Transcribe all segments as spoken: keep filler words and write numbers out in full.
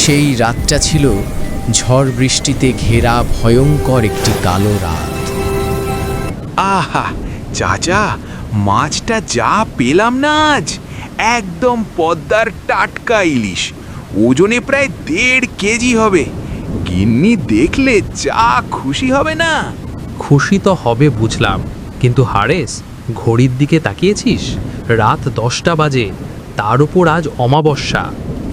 সেই রাতটা ছিল ঝড় বৃষ্টিতে ঘেরা ভয়ঙ্কর একটি কালো রাত। আহা চাচা, মাছটা যা পেলাম না আজ, একদম পদ্মার টাটকা ইলিশ, ওজনে প্রায় দেড় কেজি হবে। গিন্নি দেখলে যা খুশি হবে না। খুশি তো হবে বুঝলাম, কিন্তু হারেস, ঘড়ির দিকে তাকিয়েছিস? রাত দশটা বাজে, তার উপর আজ অমাবস্যা।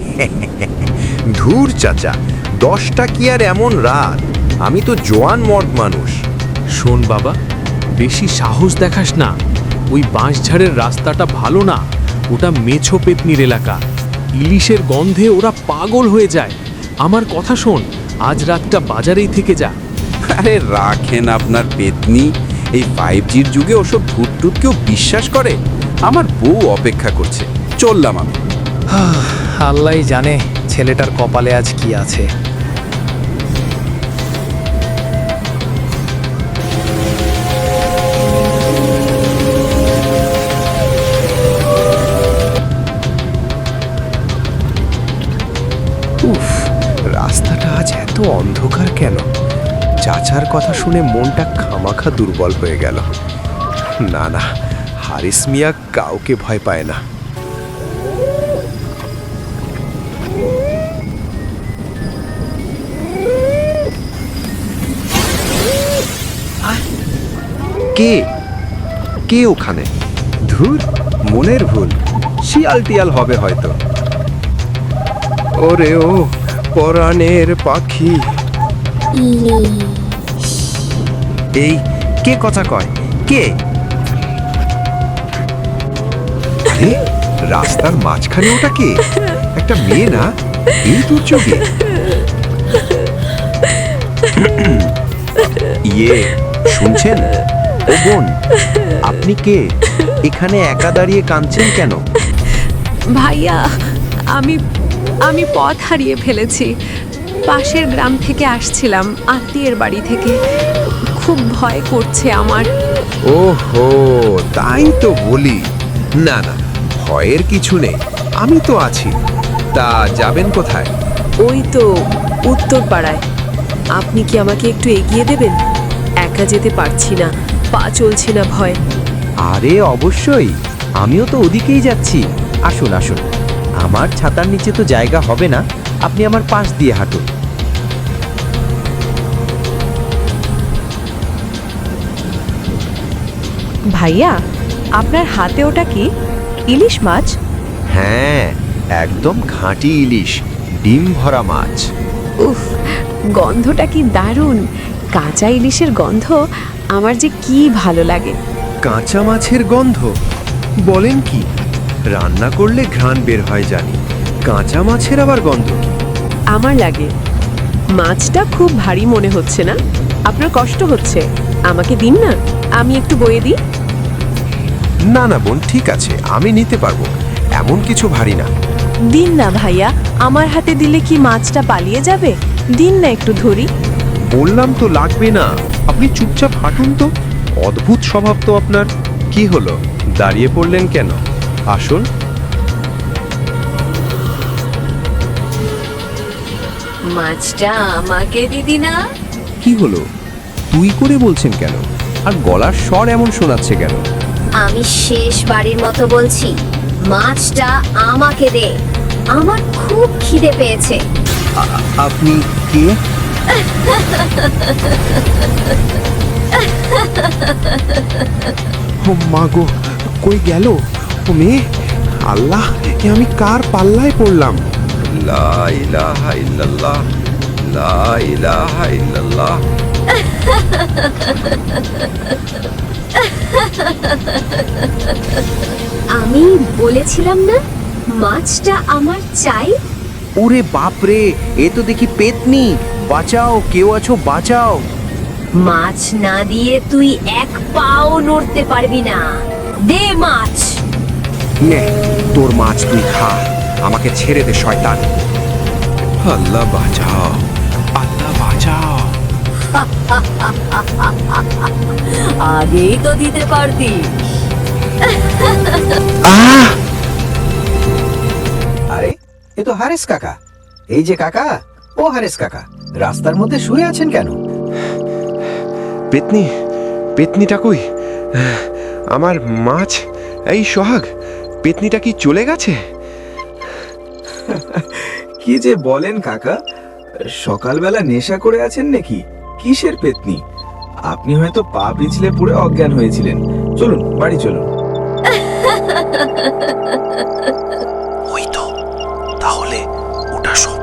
ধুর চাচা, দশটা কি আর এমন রাত? আমি তো জোয়ান মর্দ মানুষ। শোন বাবা, বেশি সাহস দেখাস না। ওই বাঁশঝাড়ের রাস্তাটা ভালো না, ওটা মেছো পেতনির এলাকা। ইলিশের গন্ধে ওরা পাগল হয়ে যায়। আমার কথা শোন, আজ রাতটা বাজারেই থেকে যা। আরে রাখেন আপনার পেতনি, এই ফাইভ জির যুগে ওসব ভূত টুত কেউ বিশ্বাস করে? আমার বউ অপেক্ষা করছে, চললাম আমি। আল্লাহই জানে ছেলেটার কপালে আজ কি আছে। উফ, রাস্তাটা আজ এত অন্ধকার কেন? চাচার কথা শুনে মনটা খামাখা দুর্বল হয়ে গেল। না না, হারিস মিয়া কাউকে ভয় পায় না। কে কে ওখানে? ধুর, মনের ভুল, শিয়াল টিয়াল হবে হয়তো। ওরে ও পরাণের পাখি। এই কে কথা কয়? কে? আরে রাস্তার মাঝখানে ওটা কে? একটা মেয়ে না? এই দুর্যোগে ইয়ে শুনছেন? ও বোন, আপনি কে? এখানে একা দাঁড়িয়ে কাঁদছেন কেন? ভাইয়া, আমি আমি পথ হারিয়ে ফেলেছি। পাশের গ্রাম থেকে আসছিলাম, আত্মীয়ের বাড়ি থেকে। খুব ভয় করছে আমার। ওহো, তাই তো বলি। না না, ভয়ের কিছু নেই, আমি তো আছি। তা যাবেন কোথায়? ওই তো উত্তর পাড়ায়। আপনি কি আমাকে একটু এগিয়ে দেবেন? একা যেতে পারছি না, পা চলছে না ভয়। আরে অবশ্যই, আমিও তো ওদিকেই যাচ্ছি। আসুন আসুন, আমার ছাতার নিচে তো জায়গা হবে না, আপনি আমার পাশ দিয়ে হাঁটুন। ভাইয়া, আপনার হাতে ওটা কি? ইলিশ মাছ? হ্যাঁ, একদম ঘাঁটি ইলিশ, ডিম ভরা মাছ। উফ, গন্ধটা কি দারুণ! কাঁচা ইলিশের গন্ধ আমার যে কি ভালো লাগে। কাঁচা মাছের গন্ধ? বলেন কি? রান্না করলে ঘ্রাণ বের হয় জানি, কাঁচা মাছের আবার গন্ধ কি? আমার লাগে। মাছটা খুব ভারী মনে হচ্ছে না? আপনার কষ্ট হচ্ছে? আমাকে দিন না, আমি একটু বয়ে দিই। না না বোন, ঠিক আছে, আমি নিতে পারবো, এমন কিছু ভারী না। দিন না ভাইয়া, আমার হাতে দিলে কি মাছটা পালিয়ে যাবে? দিন না একটু ধরি। বললাম তো লাগবে না, আপনি চুপচাপ হাঁটুন তো। অদ্ভুত স্বভাব তো আপনার। কি হলো, দাঁড়িয়ে পড়লেন কেন? আসুন। মাছটা আমাকে দিদি না? কি হলো, তুই করে বলছেন কেন? আর গলার স্বর এমন শোনাচ্ছে কেন? আমি শেষ বাড়ির মতো বলছি, মাছটা আমাকে দে, আমার খুব খিদে পেয়েছে। আপনি কে? ও মা গো, কই গেল ও মেয়ে? আল্লাহ, এ আমি কার পাল্লায় পড়লাম? লা ইলাহা ইল্লাল্লাহ, লা ইলাহা ইল্লাল্লাহ। আমি বলেছিলাম না মাছটা আমার চাই। ওরে বাপরে, এ তো দেখি পেতনি! বাঁচাও, কেউ আছো, বাঁচাও! মাছ না দিয়ে তুই এক পাও নড়তে পারবি না। দে মাছ। নে, তোর মাছ তুই খা, আমাকে ছেড়ে দে শয়তান। আল্লাহ বাঁচাও, আল্লাহ বাঁচাও। আগেই তো দিতে পারতি। আরে এ তো হারেস কাকা, এই যে কাকা, ও হারেস কাকা, রাস্তার মধ্যে শুয়ে আছেন কেন? পেতনি পেতনিটা কই? আমার মাছ, এই সোহাগ, পেতনিটা কি চলে গেছে? কি যে বলেন কাকা, সকালবেলা নেশা করে আছেন নাকি? কিসের পেতনি? আপনি হয়তো পা পিছলে পড়ে অজ্ঞান হয়েছিলেন। চলুন বাড়ি চলুন। ওই তো, তাহলে ওটা সব